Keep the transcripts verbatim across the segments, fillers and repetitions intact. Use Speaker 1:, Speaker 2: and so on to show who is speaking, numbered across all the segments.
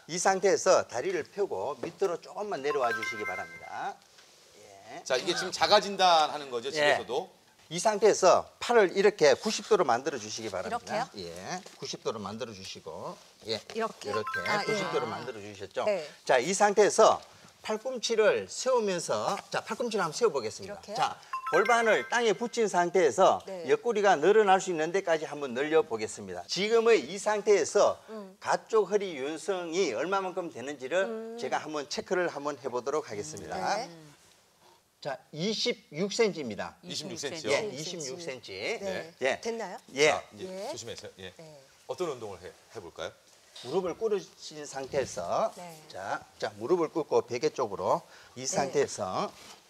Speaker 1: 이 상태에서 다리를 펴고 밑으로 조금만 내려와 주시기 바랍니다. 예.
Speaker 2: 자, 이게 지금 자가진단 하는 거죠, 집에서도?
Speaker 1: 예. 이 상태에서 팔을 이렇게 구십 도로 만들어 주시기 바랍니다.
Speaker 3: 이렇게요?
Speaker 1: 예. 구십 도로 만들어 주시고. 예.
Speaker 3: 이렇게?
Speaker 1: 이렇게
Speaker 3: 아,
Speaker 1: 구십 도로
Speaker 3: 예.
Speaker 1: 만들어 주셨죠?
Speaker 3: 네.
Speaker 1: 자, 이 상태에서 팔꿈치를 세우면서 자, 팔꿈치를 한번 세워 보겠습니다.
Speaker 3: 이렇게요?
Speaker 1: 자, 골반을 땅에 붙인 상태에서
Speaker 3: 네.
Speaker 1: 옆구리가 늘어날 수 있는 데까지 한번 늘려 보겠습니다. 지금의 이 상태에서
Speaker 3: 음.
Speaker 1: 가쪽 허리 유연성이 얼마만큼 되는지를 음. 제가 한번 체크를 한번 해 보도록 하겠습니다.
Speaker 3: 네.
Speaker 1: 자, 이십육 센티미터입니다.
Speaker 2: 이십육 센티미터요?
Speaker 1: 예, 이십육 센티미터.
Speaker 3: 네.
Speaker 1: 예.
Speaker 3: 됐나요?
Speaker 1: 예.
Speaker 2: 자, 이제
Speaker 3: 예.
Speaker 2: 조심해서. 예.
Speaker 3: 네.
Speaker 2: 어떤 운동을 해, 해볼까요?
Speaker 1: 무릎을 꿇으신 상태에서
Speaker 3: 네.
Speaker 1: 자, 자 무릎을 꿇고 베개 쪽으로 이 상태에서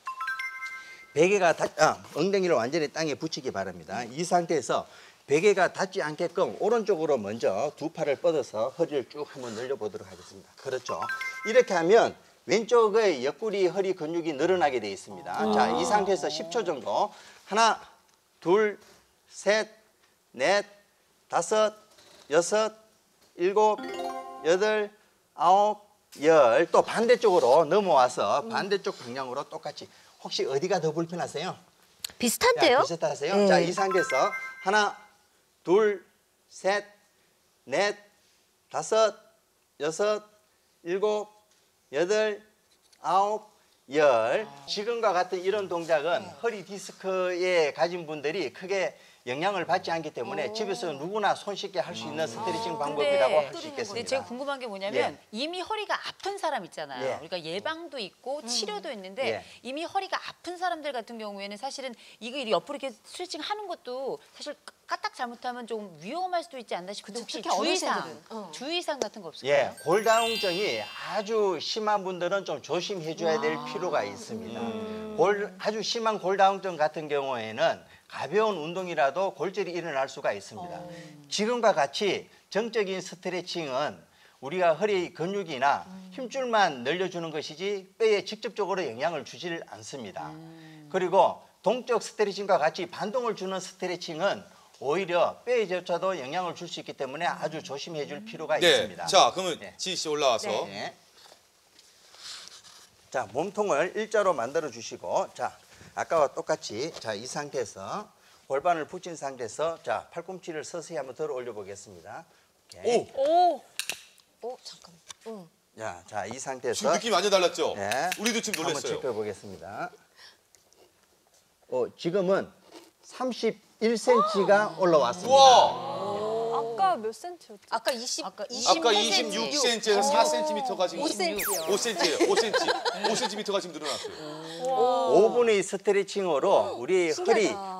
Speaker 1: 베개가 닿, 아, 엉덩이를 완전히 땅에 붙이기 바랍니다. 이 상태에서 베개가 닿지 않게끔 오른쪽으로 먼저 두 팔을 뻗어서 허리를 쭉 한번 늘려보도록 하겠습니다. 그렇죠. 이렇게 하면 왼쪽의 옆구리 허리 근육이 늘어나게 되어 있습니다. 자, 이 상태에서 십 초 정도 하나, 둘, 셋, 넷, 다섯, 여섯, 일곱, 여덟, 아홉, 열. 또 반대쪽으로 넘어와서 반대쪽 방향으로 똑같이. 혹시 어디가 더 불편하세요?
Speaker 3: 비슷한데요?
Speaker 1: 야, 비슷하세요?
Speaker 3: 네.
Speaker 1: 자, 이 상태에서 하나, 둘, 셋, 넷, 다섯, 여섯, 일곱, 여덟, 아홉, 열. 지금과 같은 이런 동작은
Speaker 3: 네.
Speaker 1: 허리 디스크에 가진 분들이 크게 영향을 받지 않기 때문에 집에서 누구나 손쉽게 할 수 있는 스트레칭 방법이라고 할 수
Speaker 4: 근데
Speaker 1: 있겠습니다.
Speaker 4: 제가 궁금한 게 뭐냐면
Speaker 1: 예.
Speaker 4: 이미 허리가 아픈 사람 있잖아요.
Speaker 1: 예.
Speaker 4: 우리가 예방도 있고 치료도 있는데
Speaker 1: 예.
Speaker 4: 이미 허리가 아픈 사람들 같은 경우에는 사실은 이거 옆으로 이렇게 스트레칭 하는 것도 사실 까딱 잘못하면 좀 위험할 수도 있지 않나 싶은데 혹시
Speaker 3: 특히
Speaker 4: 주의사항,
Speaker 3: 어르신들은, 어.
Speaker 4: 주의사항 같은 거 없을까요?
Speaker 1: 예, 골다공증이 아주 심한 분들은 좀 조심해 줘야 될 필요가 있습니다. 골, 아주 심한 골다공증 같은 경우에는 가벼운 운동이라도 골절이 일어날 수가 있습니다.
Speaker 3: 어.
Speaker 1: 지금과 같이 정적인 스트레칭은 우리가 허리 근육이나 힘줄만 늘려주는 것이지 뼈에 직접적으로 영향을 주지를 않습니다. 그리고 동적 스트레칭과 같이 반동을 주는 스트레칭은 오히려 뼈에조차도 영향을 줄 수 있기 때문에 아주 조심해 줄 필요가
Speaker 2: 네.
Speaker 1: 있습니다.
Speaker 2: 자, 그러면
Speaker 1: 네.
Speaker 2: 지희 씨 올라와서.
Speaker 3: 네.
Speaker 1: 네. 자, 몸통을 일자로 만들어 주시고, 자, 아까와 똑같이, 자, 이 상태에서 골반을 붙인 상태에서, 자, 팔꿈치를 서서히 한번 들어 올려 보겠습니다. 오케이.
Speaker 2: 오!
Speaker 4: 오!
Speaker 3: 오, 잠깐만. 응.
Speaker 1: 자, 자, 이 상태에서
Speaker 2: 지금 느낌이 완전 달랐죠?
Speaker 1: 네.
Speaker 2: 우리도 지금
Speaker 1: 한번
Speaker 2: 놀랐어요.
Speaker 1: 체크해 보겠습니다. 어, 지금은 삼십일 센티미터가 올라왔습니다.
Speaker 2: 우와!
Speaker 5: 아까 몇 센치였죠?
Speaker 3: 아까 이십,
Speaker 4: 아까
Speaker 2: 아까 이십육 센티미터에서 사 센티미터가 지금
Speaker 3: 오 센티요.
Speaker 2: 오 센티예요. 오 센티. 오 센티미터가 지금 늘어났어요.
Speaker 1: 오 분의 스트레칭으로 우리 허리
Speaker 3: 신기하다.